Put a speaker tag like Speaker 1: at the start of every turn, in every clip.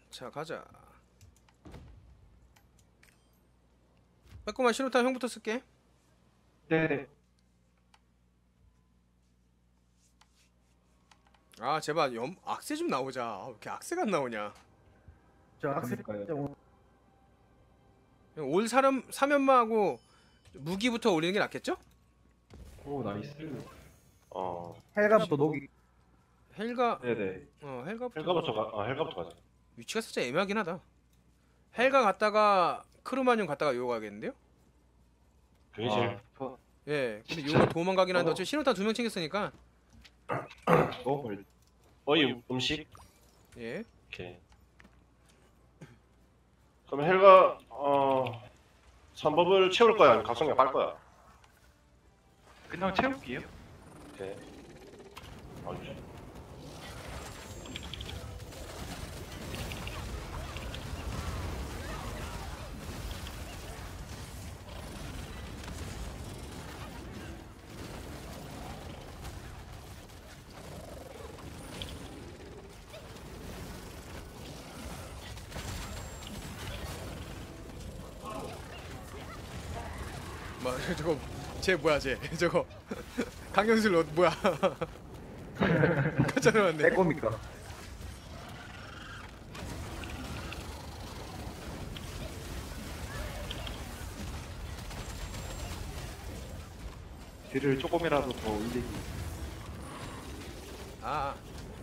Speaker 1: 자 가자. 빼꼼한 신호탄 형부터 쓸게.
Speaker 2: 네네.
Speaker 1: 아 제발 악세 좀 나오자. 아, 왜 이렇게 악세가 안 나오냐.
Speaker 2: 저 학생까요.
Speaker 1: 올 사람 사면마하고 무기부터 올리는 게 낫겠죠?
Speaker 2: 오 나이스.
Speaker 3: 헬갑도 녹이.
Speaker 1: 헬가
Speaker 2: 네네.
Speaker 1: 헬가부터
Speaker 4: 헬가부터 가자.
Speaker 1: 위치가 살짝 애매하긴 하다. 헬가 갔다가 크루마뇽 갔다가 요거 가겠는데요?
Speaker 4: 그게 제일
Speaker 1: 예. 근데 요거 도망가긴 하는데 어차피 신호탄 2명 챙겼으니까.
Speaker 4: 어이 음식.
Speaker 1: 예.
Speaker 4: 오케이. 그럼 헬가 선법을 채울 거야 아니면 각성량 빨 거야?
Speaker 2: 그냥 채울게요.
Speaker 4: 오케이. 아유.
Speaker 1: 뭐 저거 쟤 뭐야 쟤 저거 강연술 뭐야? 깜짝 놀랐네.
Speaker 3: 내 겁니까?
Speaker 2: 딜을 조금이라도 더 올리기.
Speaker 1: 아.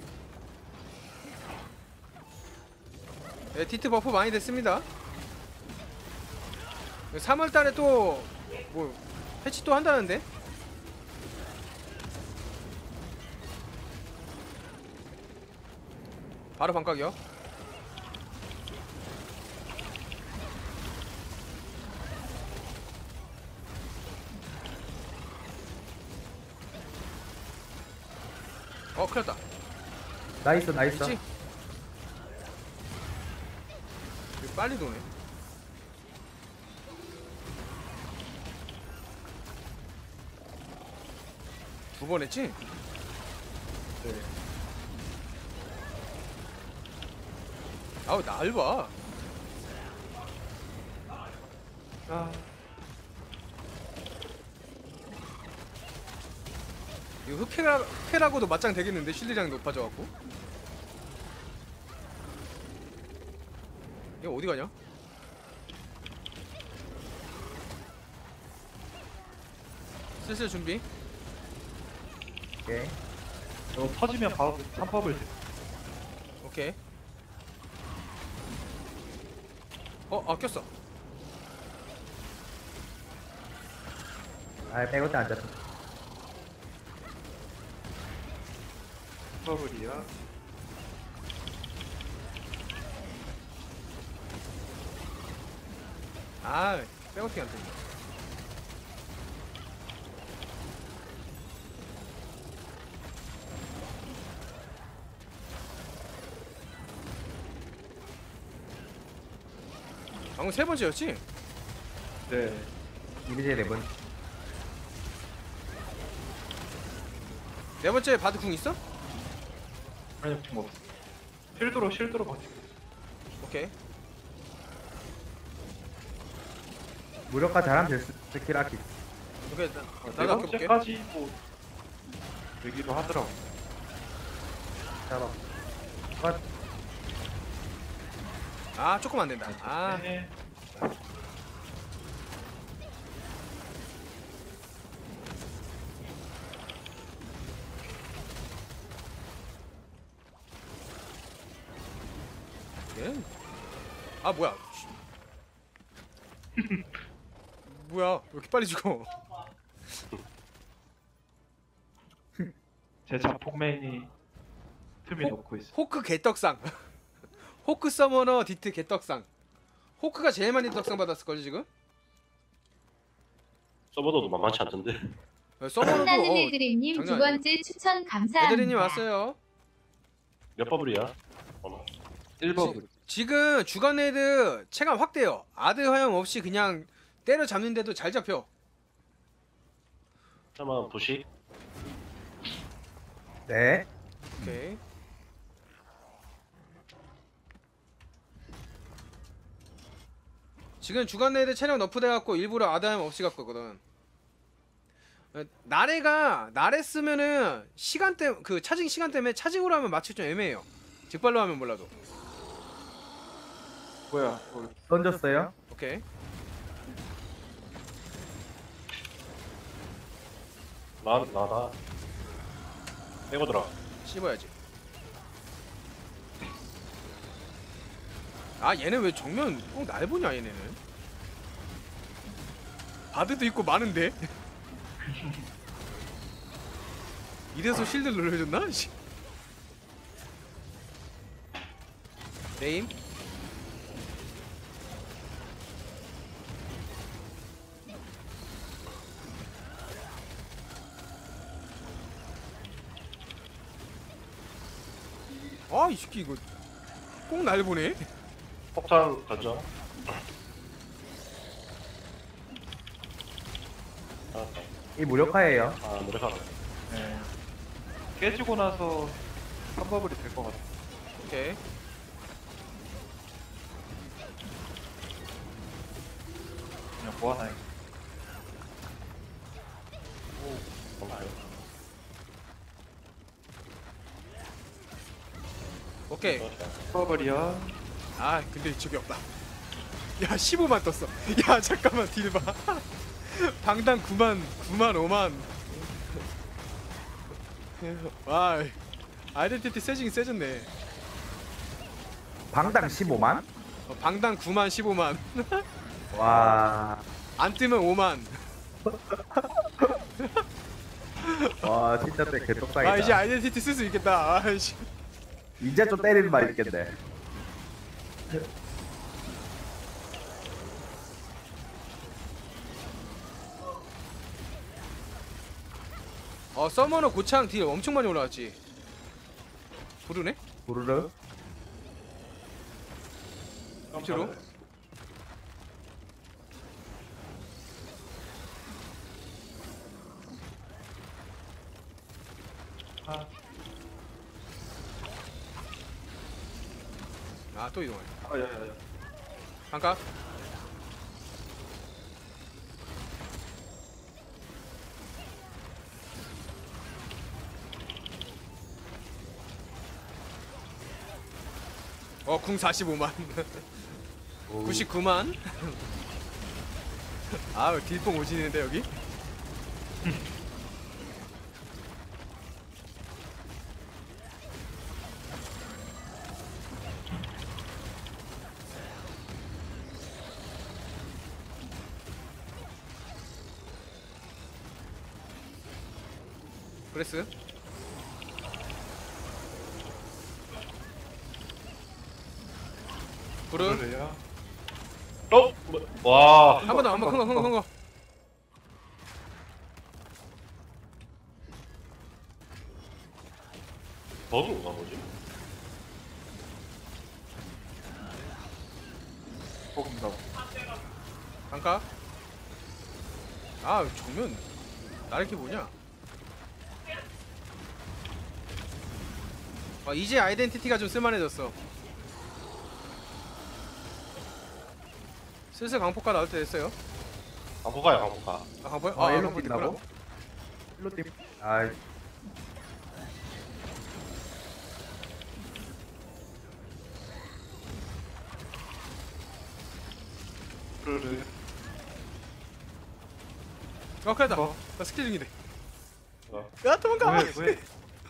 Speaker 1: 네, 디트 버프 많이 됐습니다. 3월달에 또 뭐 패치 또 한다는데? 바로 반각이요. 큰일 났다.
Speaker 3: 나이스 나이스.
Speaker 1: 있지? 이거 빨리 도네. 두 번 했지?
Speaker 2: 네.
Speaker 1: 아우 날 봐.
Speaker 2: 아
Speaker 1: 이거 흑해라고도 맞짱 되겠는데 실리장이 높아져갖고. 이거 어디 가냐? 슬슬 준비.
Speaker 3: 오케이.
Speaker 2: 이거 터지면 바로 3법을
Speaker 1: 오케이. 꼈어.
Speaker 3: 아 빼고 때 앉았어.
Speaker 2: 3법을이야.
Speaker 1: 백어팅 안 된다. 방금 세 번째였지?
Speaker 2: 네.
Speaker 3: 이미지 4번.
Speaker 1: 네 번째 바드 궁 있어?
Speaker 2: 아니 뭐 실드로 버티고.
Speaker 1: 오케이.
Speaker 3: 무력화 잘하면 될 스킬 아키.
Speaker 1: 오케이.
Speaker 2: 네
Speaker 1: 나도 아껴볼게.
Speaker 2: 번째까지 뭐 되기도 하더라고.
Speaker 3: 잡아. 컷.
Speaker 1: 조금 안 된다.
Speaker 2: 네.
Speaker 1: 예? 뭐야? 뭐야? 왜 이렇게 빨리 죽어?
Speaker 2: 제 자폭맨이 틈이 놓고 있어.
Speaker 1: 호크 개떡상. 호크 서머너 디트 개떡상. 호크가 제일 많이 떡상 받았을걸요 지금?
Speaker 4: 서버도 만만치 않던데.
Speaker 1: 서머너도
Speaker 5: 신나는 애드림님 두
Speaker 1: 장난
Speaker 5: 번째 추천 감사합니다.
Speaker 1: 애드리님 왔어요.
Speaker 4: 몇 버블이야?
Speaker 2: 1법을.
Speaker 1: 지금 주간 애드 체감 확대요. 아드 허용 없이 그냥 때려 잡는데도 잘 잡혀.
Speaker 4: 잠깐만 부식.
Speaker 3: 네.
Speaker 1: 오케이. 지금 주간 레이드 체력 너프돼갖고 일부러 아다임 없이 갖고 있거든. 나래 쓰면은 시간대 그 차징 시간 때문에 차징으로 하면 맞추기 좀 애매해요. 직발로 하면 몰라도.
Speaker 2: 뭐야?
Speaker 3: 던졌어요.
Speaker 1: 오케이.
Speaker 4: 나다. 빼고 들어.
Speaker 1: 씹어야지. 아 얘네 왜 정면 꼭 날 보냐 얘네는. 바드도 있고 많은데. 이래서 실드 눌러줬나? 씨. 네임. 아 이 새끼 이거 꼭 날 보네.
Speaker 4: 폭탄 던져. 알았다.
Speaker 3: 이 무력화예요.
Speaker 4: 아, 노력하네.
Speaker 2: 네. 깨지고 나서 3버블이 될 것 같아.
Speaker 1: 오케이.
Speaker 2: 그냥 뭐 하나.
Speaker 1: 오케이.
Speaker 2: 3버블이야.
Speaker 1: 아 근데 저기 없다. 야 15만 떴어. 야 잠깐만 딜 봐. 방당 9만 5만. 와 아이덴티티 세징이 세졌네.
Speaker 3: 방당 15만?
Speaker 1: 방당 9만 15만.
Speaker 3: 와.
Speaker 1: 안 뜨면 5만.
Speaker 3: 와 진짜 때 개떡상이다.
Speaker 1: 아 이제 아이덴티티 쓸 수 있겠다. 아이씨.
Speaker 3: 이제 좀 때리는 말 있겠네.
Speaker 1: 서머너 고창 딜 엄청 많이 올라왔지. 부르네?
Speaker 3: 부르르.
Speaker 1: 밑으로? 아 또 이동해.
Speaker 2: 야야야.
Speaker 1: 잠깐. 궁 45만. 99만. 아우 딜뽕 오지는데 여기. 브레스. 부르.
Speaker 2: 그래요?
Speaker 4: 와.
Speaker 1: 한 번 더, 한 번, 큰 거.
Speaker 4: 버그인가 뭐지?
Speaker 2: 조금더.
Speaker 1: 잠깐. 아, 정면. 나를 게 뭐냐? 이제 아이덴티티가 좀 쓸만해졌어. 슬슬 강폭가 나올 때 됐어요.
Speaker 4: 강포가야 강포가.
Speaker 1: 아, 강폭?
Speaker 3: 일로
Speaker 1: 강폭
Speaker 3: 뛴다고?
Speaker 1: 됐구나.
Speaker 3: 일로 뛰. 아이.
Speaker 2: 그래.
Speaker 1: 큰일 났다.
Speaker 2: 어?
Speaker 1: 나 스킬 중인데.
Speaker 4: 어.
Speaker 1: 야, 도망가!
Speaker 2: 왜?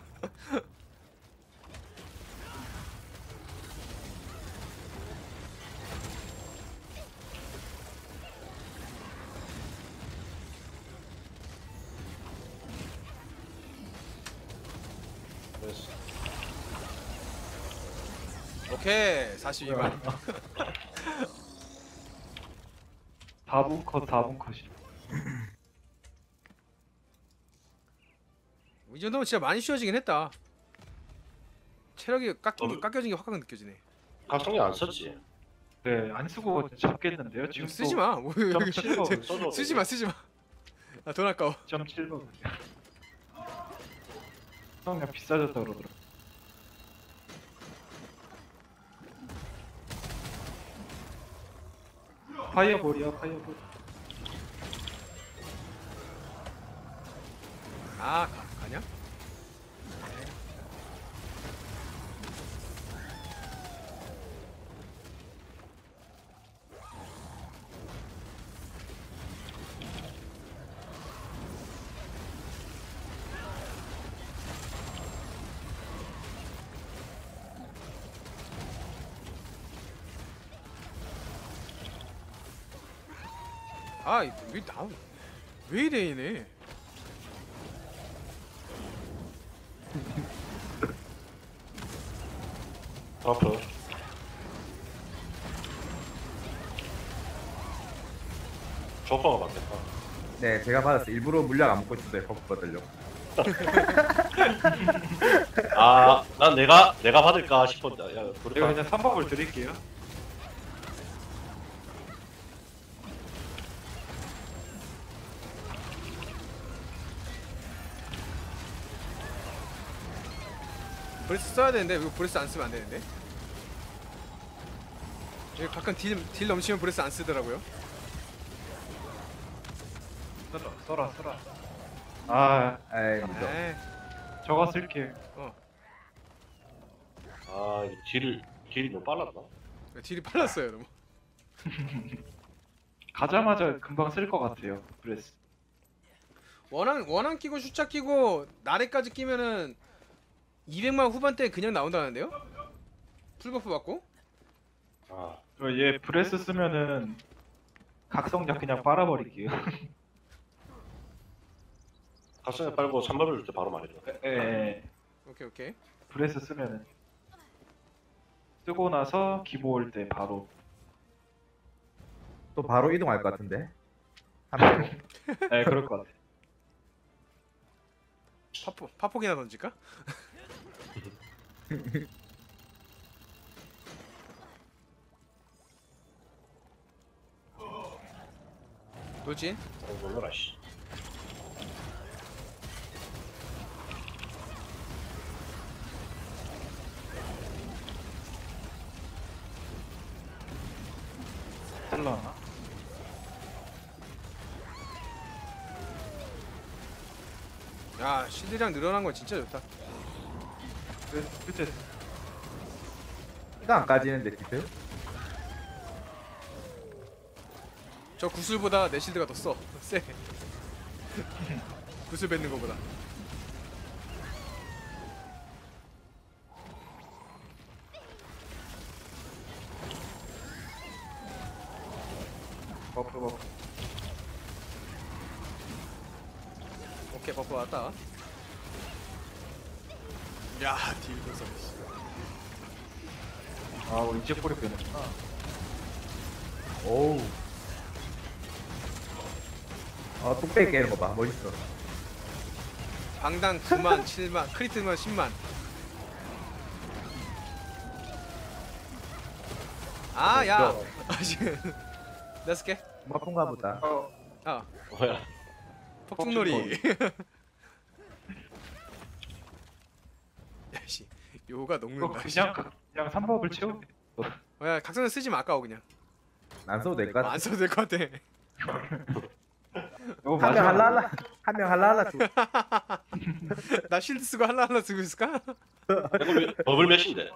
Speaker 4: 됐어.
Speaker 1: 오케이, 42만.
Speaker 2: 4분 컷이.
Speaker 1: 이 정도면 진짜 많이 쉬워지긴 했다. 체력이 깎여진 게 확 느껴지네.
Speaker 4: 각성기 안 썼지.
Speaker 2: 네, 안 쓰고 잡겠는데요? 지금
Speaker 1: 쓰지 마. 뭐,
Speaker 2: 점 7번
Speaker 4: 써줘.
Speaker 1: 쓰지 마. 아, 돈 아까워.
Speaker 2: 0.7번. 그냥 비싸졌다 그러더라. 파이어볼이야 파이어볼.
Speaker 1: 아 가냐? 왜 이래 얘네.
Speaker 4: 버프. 조커가 맞겠다.
Speaker 3: 네, 제가 받았어요. 일부러 물약 안 먹고 있었어요. 버프 받으려고.
Speaker 4: 아, 난 내가 받을까 싶었다. 야,
Speaker 2: 제가
Speaker 4: 그래.
Speaker 2: 그냥 3법을 드릴게요.
Speaker 1: 브레스 써야 되는데 이거 브레스 안 쓰면 안 되는데. 이거 가끔 딜 넘치면 브레스 안 쓰더라고요.
Speaker 2: 써라. 아
Speaker 3: 에이, 무죠.
Speaker 1: 에이,
Speaker 2: 저거 쓸게.
Speaker 4: 아, 이 딜이 너무 빨랐나?
Speaker 1: 딜이 빨랐어요 너무.
Speaker 2: 가자마자 금방 쓸 것 같아요. 브레스.
Speaker 1: 원한 끼고 슈차 끼고 나래까지 끼면은 200만 후반대 그냥 나온다는데요? 풀버프 받고?
Speaker 4: 아,
Speaker 2: 얘 브레스 쓰면은 각성약 그냥 빨아버릴게요.
Speaker 4: 가슴에 빨고 3법을 줄 때 바로 말해줘.
Speaker 2: 예.
Speaker 1: 오케이.
Speaker 2: 브레스 쓰면은 쓰고 나서 기보 올 때 바로.
Speaker 3: 또 바로 이동할 것 같은데. 한 명.
Speaker 2: 네, 그럴 것 같아.
Speaker 1: 파폭이나 던질까? 돌진?
Speaker 4: 놀라라 씨.
Speaker 2: 쓸라나?
Speaker 1: 야 실드량 늘어난 건 진짜 좋다.
Speaker 2: 브레스 그때
Speaker 3: 이거 안 까지는데, 디트?
Speaker 1: 저 구슬보다 내 실드가 더 세. 구슬 뱉는 거보다.
Speaker 2: 버프.
Speaker 1: 오케이 버프 왔다. 야 딜 벌써.
Speaker 2: 아, 우리 이제 뿌리 빼냈구나.
Speaker 3: 오우. 뚝배기 깨는 거 봐. 멋있어.
Speaker 1: 방당 9만 7만 크리트만 10만. 아야 나 쓸게.
Speaker 3: 마쁜가 보다.
Speaker 1: 아
Speaker 4: 뭐야?
Speaker 1: 폭죽놀이. 야씨 요가
Speaker 2: 이거
Speaker 1: 녹는다.
Speaker 2: 그냥 3법을 채우게.
Speaker 1: 야 각성을 쓰지 마 아까워 그냥.
Speaker 3: 안 써도 될 것 같아.
Speaker 1: 안 써도 될 것 같아.
Speaker 2: 이거
Speaker 3: 한 명 할라할라. 한 명 할라할라 줘.
Speaker 1: 나 실드 쓰고 하나 쓰고 있을까?
Speaker 4: 버블 몇인데?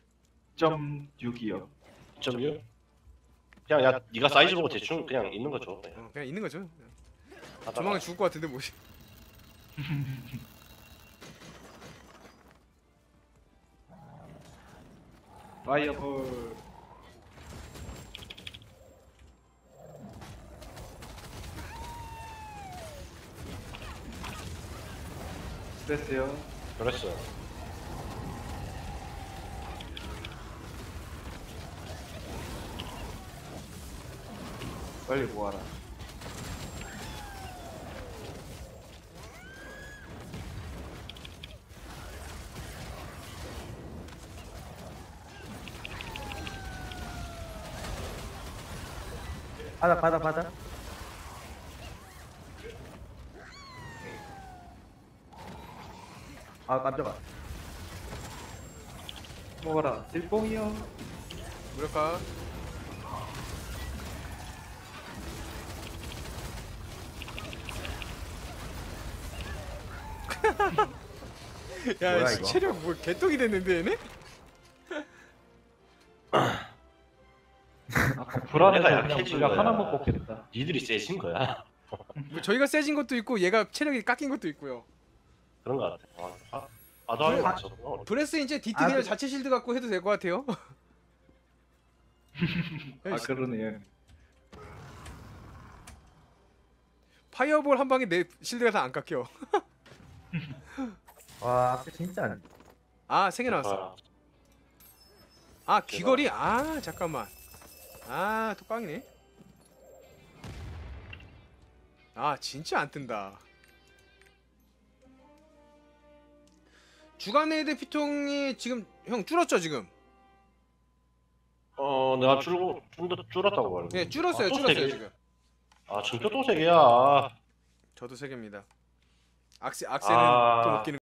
Speaker 2: 6이요.
Speaker 4: 2.6? 그냥 야 네가 사이즈 보고 대충 그냥 있는 거 줘.
Speaker 1: 그냥 있는 거죠.
Speaker 4: 하다가
Speaker 1: 조만간 죽을 것 같은데 뭐.
Speaker 2: 파이어볼. 됐어요.
Speaker 4: 그랬어.
Speaker 2: 빨리 모아라.
Speaker 3: 받아. 아, 깜짝아.
Speaker 2: 모아라. 일봉이요.
Speaker 1: 무력화. 야
Speaker 3: 뭐야,
Speaker 1: 씨,
Speaker 3: 이거?
Speaker 1: 체력 뭐 개떡이 됐는데 얘네?
Speaker 2: 불안해서
Speaker 4: 내가
Speaker 2: 그냥
Speaker 4: 약해진
Speaker 2: 물약
Speaker 4: 거야.
Speaker 2: 하나만 뽑겠다.
Speaker 4: 니들이 세진 거야.
Speaker 1: 뭐 저희가 세진 것도 있고 얘가 체력이 깎인 것도 있고요.
Speaker 4: 그런 거 같아. 아다리 맞죠.
Speaker 1: 브레스 이제 디트
Speaker 3: 아,
Speaker 1: 그냥
Speaker 3: 그-
Speaker 1: 자체 실드 갖고 해도 될 것 같아요.
Speaker 2: 아 그러네요.
Speaker 1: 파이어볼 한 방에 내 실드가 다 안 깎여.
Speaker 3: 와 앞에 진짜 안.
Speaker 1: 아 3개 나왔어. 아 귀걸이? 아 잠깐만. 아 또 깡이네. 아 진짜 안 뜬다. 주간 레이드 피통이 지금 형 줄었죠 지금?
Speaker 4: 내가 좀 더 줄었다고 말해.
Speaker 1: 네 줄었어요
Speaker 4: 또
Speaker 1: 줄었어요
Speaker 4: 세 개?
Speaker 1: 지금.
Speaker 4: 진짜 또 3개야.
Speaker 1: 저도 3개입니다. 악셀은
Speaker 4: 아.
Speaker 1: 또 못 끼는